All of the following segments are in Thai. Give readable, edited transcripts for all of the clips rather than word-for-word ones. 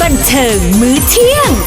บันเทิงมื้อเที่ยง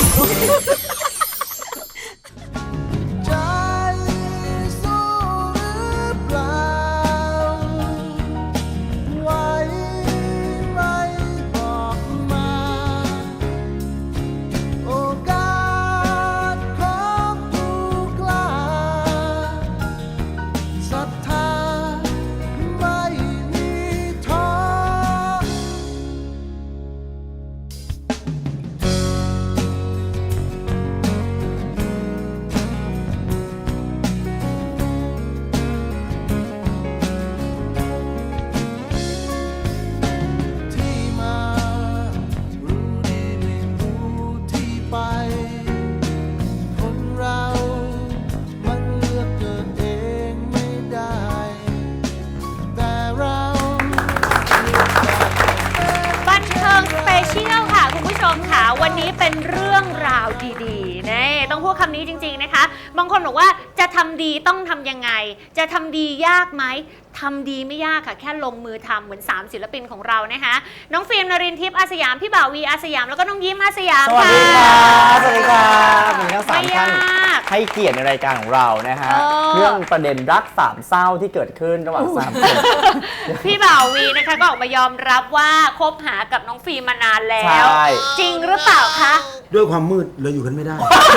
วันนี้เป็นเรื่องราวดีๆนะต้องพูดคำนี้จริงๆนะคะบางคนบอกว่าจะทำดีต้องทำยังไงจะทำดียากไหมทำดีไม่ยากค่ะแค่ลงมือทำเหมือน3ศิลปินของเรานะคะน้องฟิล์มนรินทร์ทิพย์อาสยามพี่บ่าววีอาสยามแล้วก็น้องยิ้มอาสยามสวัสดีครับสวัสดีครับมีทั้ง3ท่านให้เกียรติในรายการของเรานะฮะเรื่องประเด็นรักสามเศร้าที่เกิดขึ้นระหว่าง3 คนพี่บ่าววีนะคะก็ออกมายอมรับว่าคบหากับน้องฟิล์มมานานแล้วจริงหรือเปล่าคะด้วยความมืดเลยอยู่กันไม่ได้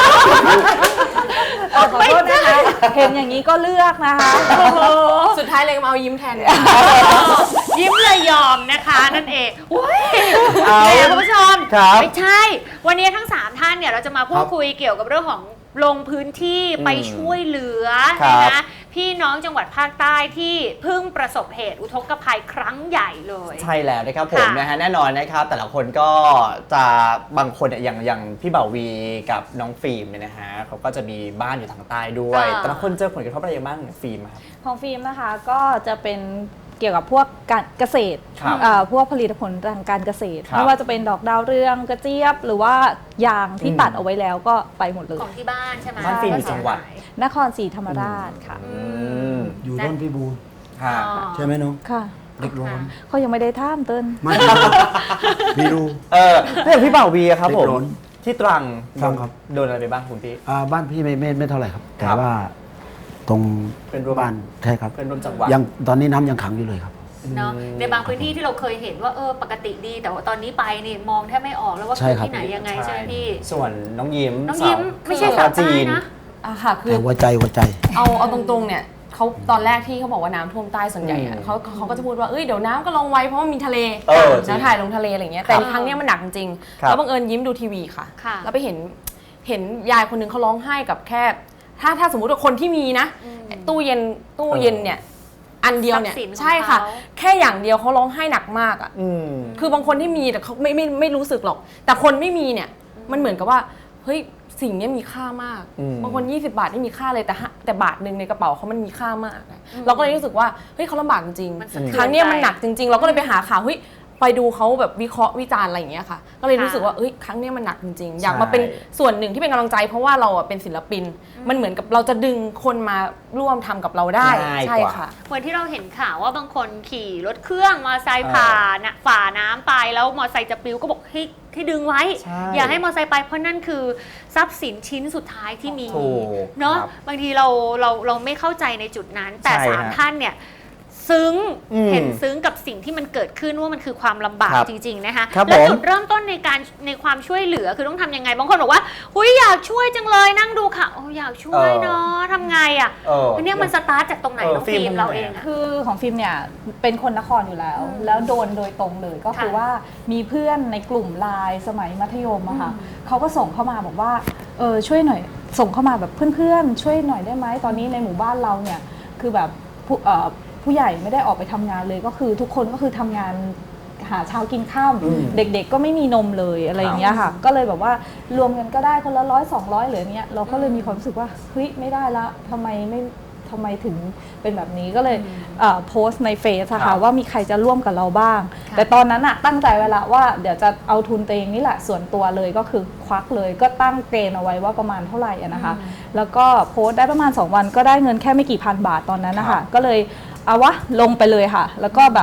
ขอโทษนะคะเห็นอย่างนี้ก็เลือกนะคะสุดท้ายเลยมาเอายิ้มแทนยิ้มเลยยอมนะคะนั่นเองคุณผู้ชมไม่ใช่วันนี้ทั้ง3ท่านเนี่ยเราจะมาพูดคุยเกี่ยวกับเรื่องของลงพื้นที่ไปช่วยเหลือนะคะพี่น้องจังหวัดภาคใต้ที่เพิ่งประสบเหตุอุทกภัยครั้งใหญ่เลยใช่แล้วนะครับผมนะฮะแน่นอนนะครับแต่ละคนก็จะบางคนอย่างพี่บ่าววีกับน้องฟิล์มเนี่ยนะฮะเขาก็จะมีบ้านอยู่ทางใต้ด้วยแต่ละคนเจอผลกระทบอะไรบ้างเนี่ยฟิล์มครับของฟิล์มนะคะก็จะเป็นเกี่ยวกับพวกการเกษตรพวกผลิตผลทางการเกษตรไม่ว่าจะเป็นดอกดาวเรืองกระเจี๊ยบหรือว่ายางที่ตัดเอาไว้แล้วก็ไปหมดเลยของที่บ้านใช่ไหมบ้านฟิล์มอยู่จังหวัดนครศรีธรรมราชค่ะอยู่ร่นพิบูลใช่ไหมน้องค่ะเด็กร้อนเขายังไม่ได้ท่ามเติ้ลไม่พี่ดูเรื่องพี่บ่าววีครับผมที่ตรังครับโดนอะไรไปบ้างคุณพี่บ้านพี่ไม่เท่าไหร่ครับแต่ว่าตรงเป็นบ้านใช่ครับเป็นรวมจังหวัดยังตอนนี้น้ำยังขังอยู่เลยครับเนาะในบางพื้นที่ที่เราเคยเห็นว่าปกติดีแต่ว่าตอนนี้ไปนี่มองแทบไม่ออกแล้วว่าคือที่ไหนยังไงใช่ไหมพี่ส่วนน้องยิ้มไม่ใช่สาวจีนนะค่ะคือหัวใจเอาตรงๆเนี่ยเขาตอนแรกที่เขาบอกว่าน้ำท่วมใต้ส่วนใหญ่เขาก็จะพูดว่าเดี๋ยวน้ำก็ลงไว้เพราะว่ามีทะเลแล้วถ่ายลงทะเลอะไรเงี้ยแต่ครั้งนี้มันหนักจริงแล้วบังเอิญยิ้มดูทีวีค่ะแล้วไปเห็นยายคนนึงเขาร้องไห้กับแค่ถ้าสมมติว่าคนที่มีนะตู้เย็นเนี่ยอันเดียวเนี่ยใช่ค่ะแค่อย่างเดียวเขาร้องไห้หนักมากอ่ะคือบางคนที่มีแต่เขาไม่รู้สึกหรอกแต่คนไม่มีเนี่ยมันเหมือนกับว่าเฮ้ยสิ่งนี้มีค่ามากบางคน20 บาทไม่มีค่าเลยแต่บาทนึงในกระเป๋าเขามันมีค่ามากเราก็เลยรู้สึกว่าเฮ้ยเขาลำบากจริงครั้งนี้มันหนักจริงๆเราก็เลยไปหาข่าวเฮ้ยไปดูเขาแบบวิเคราะห์วิจารณ์อะไรอย่างเงี้ยค่ะก็เลยรู้สึกว่าครั้งนี้มันหนักจริงๆอยากมาเป็นส่วนหนึ่งที่เป็นกำลังใจเพราะว่าเราเป็นศิลปินมันเหมือนกับเราจะดึงคนมาร่วมทำกับเราได้ใช่ค่ะเหมือนที่เราเห็นข่าวว่าบางคนขี่รถเครื่องมอเตอร์ไซค์ฝ่าน้ำไปแล้วมอเตอร์ไซค์จะปลิวก็บอกให้ดึงไว้อย่าให้มอเตอร์ไซค์ไปเพราะนั่นคือทรัพย์สินชิ้นสุดท้ายที่มีเนาะบางทีเราไม่เข้าใจในจุดนั้นแต่3 ท่านเนี่ยเห็นซึ้งกับสิ่งที่มันเกิดขึ้นว่ามันคือความลำบากจริงๆนะคะแล้วจุดเริ่มต้นในความช่วยเหลือคือต้องทำยังไงบางคนบอกว่าหุยอยากช่วยจังเลยนั่งดูค่ะอยากช่วยเนาะทำไงอันนี้มันสตาร์ทจากตรงไหนน้องฟิล์มเราเองคือของฟิล์มเนี่ยเป็นคนนครอยู่แล้วโดนโดยตรงเลยก็คือว่ามีเพื่อนในกลุ่มไลน์สมัยมัธยมอะค่ะเขาก็ส่งเข้ามาบอกว่าช่วยหน่อยส่งเข้ามาแบบเพื่อนๆช่วยหน่อยได้ไหมตอนนี้ในหมู่บ้านเราเนี่ยคือแบบผู้ใหญ่ไม่ได้ออกไปทำงานเลยก็คือทุกคนก็คือทำงานหาเช้ากินข้าวเด็กๆก็ไม่มีนมเลยอะไรอย่างเงี้ยค่ะก็เลยแบบว่ารวมกันก็ได้คนละ100-200หรือเนี้ยเราก็เลยมีความรู้สึกว่าเฮ้ยไม่ได้ละทำไมถึงเป็นแบบนี้ก็เลยโพสต์ในเฟซค่ะว่ามีใครจะร่วมกับเราบ้างแต่ตอนนั้นอะตั้งใจไว้ละว่าเดี๋ยวจะเอาทุนตัวเองนี่แหละส่วนตัวเลยก็คือควักเลยก็ตั้งเกณฑ์เอาไว้ว่าประมาณเท่าไหร่นะคะแล้วก็โพสต์ได้ประมาณ2 วันก็ได้เงินแค่ไม่กี่พันบาทตอนนั้นนะคะก็เลยเอาวะลงไปเลยค่ะแล้วก็แบบ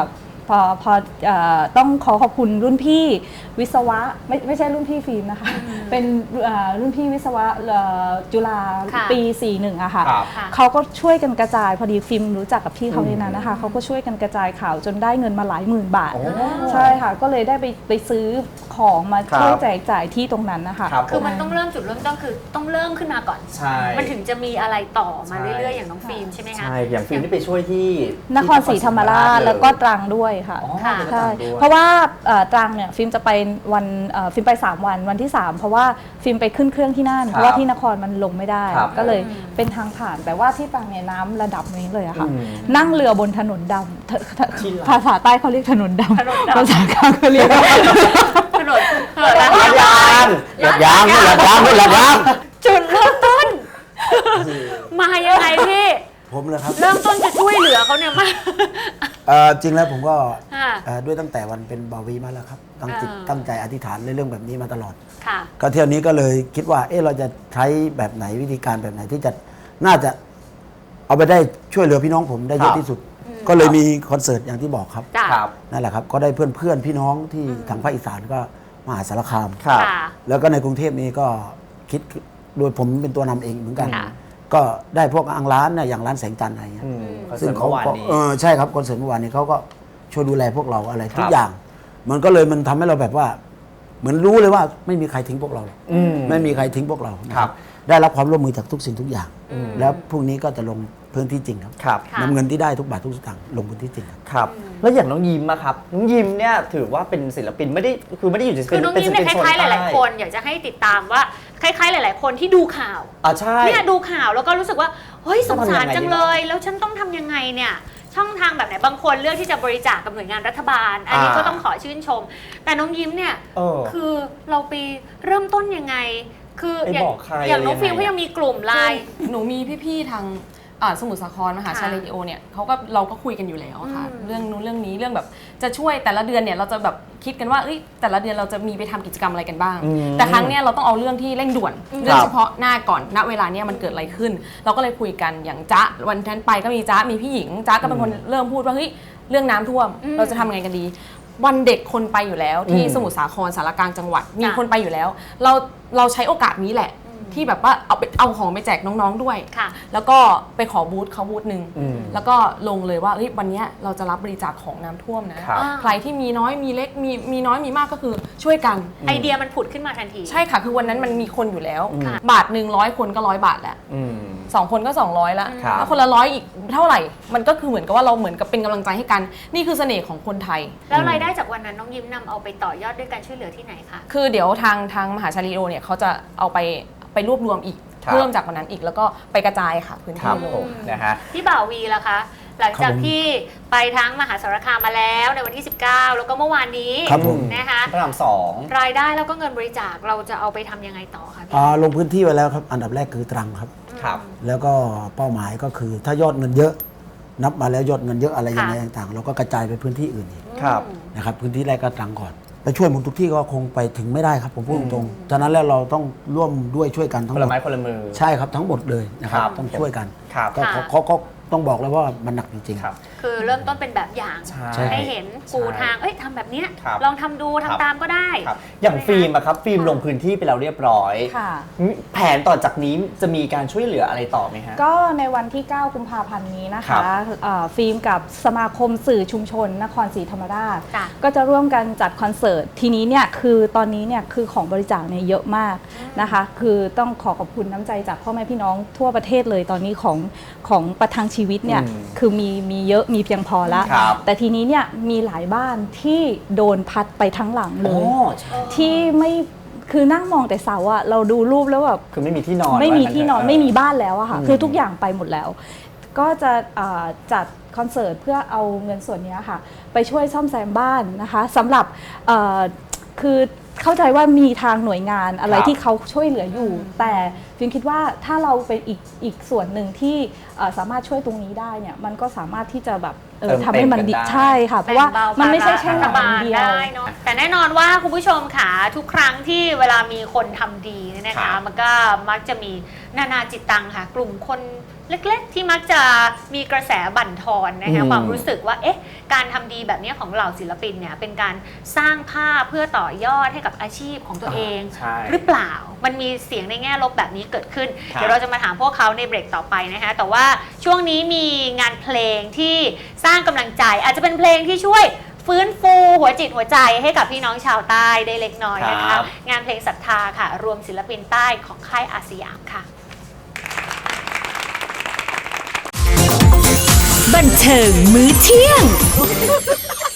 พอต้องขอบคุณรุ่นพี่วิศวะไม่ใช่รุ่นพี่ฟิล์มนะคะเป็นรุ่นพี่วิศวะจุฬาปี 41อะค่ะเขาก็ช่วยกันกระจายพอดีฟิล์มรู้จักกับพี่เขาในนั้นนะคะเขาก็ช่วยกันกระจายข่าวจนได้เงินมาหลายหมื่นบาทใช่ค่ะก็เลยได้ไปซื้อของมาช่วยแจกจ่ายที่ตรงนั้นนะคะคือมันต้องเริ่มจุดเริ่มต้นคือต้องเริ่มขึ้นมาก่อนใช่มันถึงจะมีอะไรต่อมาเรื่อยๆอย่างน้องฟิล์มใช่ไหมคะใช่อย่างฟิล์มที่ไปช่วยที่นครศรีธรรมราชแล้วก็ตรังด้วยค่ะค่ะใช่เพราะว่าตรังเนี่ยฟิล์มจะไปวันฟิล์มไป3วันที่ 3 เพราะว่าฟิล์มไปขึ้นเครื่องที่นั่นเพราะว่าที่นครมันลงไม่ได้ก็เลยเป็นทางผ่านแต่ว่าที่ตรังเนี่ยน้ำระดับนี้เลยอะค่ะนั่งเรือบนถนนดำภาษาใต้เขาเรียกถนนดำภาษากลางเขาเรียกถนนลาดยางลาดยางลาดยางลาดยางจุดเริ่มต้น มายังไงพี่ผมเลยครับเริ่มต้นจะช่วยเหลือเขาเนี่ยมาจริงแล้วผมก็ค่ะด้วยตั้งแต่วันเป็นบาวีมาแล้วครับตั้งจิตตั้งใจอธิษฐานในเรื่องแบบนี้มาตลอดค่ะก็เที่ยวนี้ก็เลยคิดว่าเราจะใช้แบบไหนวิธีการแบบไหนที่จะน่าจะเอาไปได้ช่วยเหลือพี่น้องผมได้เยอะที่สุด ก็เลยมีคอนเสิร์ตอย่างที่บอกครับจ้ะครับนั่นแหละครับก็ได้เพื่อนพี่น้องที่ทางภาคอีสานก็มหาสารคามครับค่ะแล้วก็ในกรุงเทพนี้ก็คิดโดยผมเป็นตัวนำเองเหมือนกันค่ะก็ได้พวกอังร้านเนี่ยอย่างร้านแสงจันทร์อะไรเงี้ยคอนเสิร์ตเมื่อวานนี้ใช่ครับคอนเสิร์ตเมื่อวานนี้เขาก็ช่วยดูแลพวกเราอะไรทุคกรับอย่าง มันก็เลยมันทำให้เราแบบว่า เหมือนรู้เลยว่าไม่มีใครทิ้งพวกเราหรอกอืมไม่มีใครทิ้งพวกเรานะครับ ได้รับความร่วมมือจากทุกสิ่งทุกอย่าง แล้วพรุ่งนี้ก็จะลงพื้นที่จริงครับครับค่ะนำเงินที่ได้ทุกบาททุกสตางค์ลงพื้นที่จริงครับครับ แล้วอย่างน้องยิมอะครับ น้องยิมเนี่ยถือว่าเป็นศิลปินไม่ได้คือไม่ได้อยู่ในคือน้องยิ้มเนี่ยคล้ายๆหลายๆคนอยากจะให้ติดตามว่าคล้ายๆหลาย ๆ คนที่ดูข่าวใช่เนี่ยดูข่าวแล้วก็รู้สึกว่าเฮ้ยสงสารจังเลยต้องทำยังไงดีแล้วฉันต้องทำยังไงเนี่ยช่องทางแบบไหนบางคนเลือกที่จะบริจาคกับหน่วยงานรัฐบาล อันนี้ก็ต้องขอชื่นชม แต่น้องยิ้มเนี่ย คือเราไปเริ่มต้นยังไง คือไปอย่างบอกใครอย่างน้องยังไงฟิลก็ยังมีกลุ่มไลน์หนูมีพี่ๆทางสมุทรสาครมหาชัยค่ะเรดิโอเนี่ยเราก็คุยกันอยู่แล้วค่ะอืมเรื่องนู้นเรื่องนี้เรื่องแบบจะช่วยแต่ละเดือนเนี่ยเราจะแบบคิดกันว่าแต่ละเดือนเราจะมีไปทำกิจกรรมอะไรกันบ้าง แต่ครั้งเนี้ยเราต้องเอาเรื่องที่เร่งด่วนเรื่องเฉพาะหน้าก่อนณเวลาเนี้ยมันเกิดอะไรขึ้น เราก็เลยคุยกันอย่างจ๊ะวันนั้นไปก็มีจ๊ะมีพี่หญิงจ๊ะก็เป็นคนเริ่มพูดว่าเฮ้ยเรื่องน้ำท่วมเราจะทำไงกันดี วันเด็กคนไปอยู่แล้วที่สมุทรสาครสารกลางจังหวัดมีคนไปอยู่แล้ว เราใช้โอกาสนี้แหละที่แบบว่าเอาของไปแจกน้องๆด้วยค่ะแล้วก็ไปขอบูธเขาบูธหนึ่งอืมแล้วก็ลงเลยว่าเฮ้ยวันเนี้ยเราจะรับบริจาคของน้ำท่วมนะครับ ใครที่มีน้อยมีเล็กมีน้อยมีมากก็คือช่วยกันไอเดียมันผุดขึ้นมาทันทีใช่ค่ะคือวันนั้นมันมีคนอยู่แล้วค่ะบาทหนึ่ง100 คนก็100 บาทแล้วอืม 2 คนก็200แล้วครับแล้วคนละ100อีกเท่าไหร่ มันก็คือเหมือนกับว่าเราเหมือนกับเป็นกำลังใจให้กันนี่คือเสน่ห์ของคนไทยแล้วรายได้จากวันนั้นน้องยิ้มนำเอาไปต่อยอดด้วยการช่วยเหลือที่ไหนคะคือเดี๋ยวทางมหาชัยเรดิโอเนี่ยเขาจะเอาไปรวบรวมอีกครับเพิ่มจากวันนั้นอีกแล้วก็ไปกระจายค่ะพื้นครัที่บเลยผมนะฮะพี่บ่าววีล่ะคะ หลังจากครับผมที่ไปทั้งมหาสารคามมาแล้วในวันที่ 19 แล้วก็เมื่อวานนี้ครับผมนะคะพระรามสองรายได้แล้วก็เงินบริจาคเราจะเอาไปทำยังไงต่อคะพี่ลงพื้นที่ไว้แล้วครับ อันดับแรกคือตรังครับครับแล้วก็เป้าหมายก็คือถ้ายอดเงินเยอะ นับมาแล้วยอดเงินเยอะอะไรยังไงต่างๆ เราก็กระจายไปพื้นที่อื่นอีกครับนะครับพื้นที่แรกก็ตรังก่อนไปช่วยหมดทุกที่ก็คงไปถึงไม่ได้ครับผมพูดตรงๆฉะนั้นแล้วเราต้องร่วมด้วยช่วยกันทั้คงนหมละดไม้คนละมือใช่ครับทั้งหมดเลยนะครับครับต้องช่วยกันครับก็เขาต้องบอกแล้วว่ามันหนักจริงๆครับคือเริ่มต้นเป็นแบบอย่างใช่ให้เห็นปูทาง เอ้ยทำแบบเนี้ยครับลองทำดูทำตามก็ได้ครับ อย่างฟิล์มอะครับ ฟิล์มลงพื้นที่ไปแล้วเรียบร้อยค่ะแผนต่อจากนี้จะมีการช่วยเหลืออะไรต่อไหมฮะก็ในวันที่ 9 กุมภาพันธ์นี้นะครัคะบฟิล์มกับสมาคมสื่อชุมชนนครศรีธรรมราชจ้ะก็จะร่วมกันจัดคอนเสิร์ตทีนี้เนี่ยคือตอนนี้เนี่ยคือของบริจาคเนี่ยเยอะมากนะคะ คือต้องขอบคุณน้ำใจจากพ่อแม่พี่น้องทั่วประเทศเลยตอนนี้ของประทังชีวิตเนี่ยอืมคือมีเยอะมีเพียงพอแล้วครับแต่ทีนี้เนี่ยมีหลายบ้านที่โดนพัดไปทั้งหลังเลโอ้ย ที่ไม่คือนั่งมองแต่เสาอะเราดูรูปแล้วแบบคือไม่มีที่นอนไม่มีว่างั้ที่นอนเถะไม่มีบ้านแล้วอะค่ะอืมคือทุกอย่างไปหมดแล้ว ก็จะจัดคอนเสิร์ตเพื่อเอาเงินส่วนนี้ค่ะ ไปช่วยซ่อมแซมบ้านนะคะสำหรับคือเข้าใจว่ามีทางหน่วยงานอะไรครับที่เขาช่วยเหลืออยู่ แต่ฟิล์มคิดว่าถ้าเราเป็นอีกส่วนหนึ่งที่สามารถช่วยตรงนี้ได้เนี่ยมันก็สามารถที่จะแบบทำให้มันดีใช่ค่ะ เพราะว่ามันไม่ใช่แค่หนังอย่างเดียวได้เนอะแต่แน่นอนว่าคุณผู้ชมค่ะทุกครั้งที่เวลามีคนทำดีเนี่ยนะครัคะบมันก็มักจะมีนานาจิตตังค่ะ กลุ่มคนเล็กๆ ที่มักจะมีกระแสบั่นทอนนะคะความรู้สึกว่าการทำดีแบบนี้ของเหล่าศิลปินเนี่ยเป็นการสร้างภาพเพื่อต่อยอดให้กับอาชีพของตัวเอง หรือเปล่ามันมีเสียงในแง่ลบแบบนี้เกิดขึ้นเดี๋ยวเราจะมาถามพวกเขาในเบรกต่อไปนะคะแต่ว่าช่วงนี้มีงานเพลงที่สร้างกำลังใจอาจจะเป็นเพลงที่ช่วยฟื้นฟูหัวจิตหัวใจให้กับพี่น้องชาวใต้ได้เล็กน้อยนะคะงานเพลงศรัทธาค่ะรวมศิลปินใต้ของค่ายอาสยามค่ะบันเทิงมื้อเที่ยง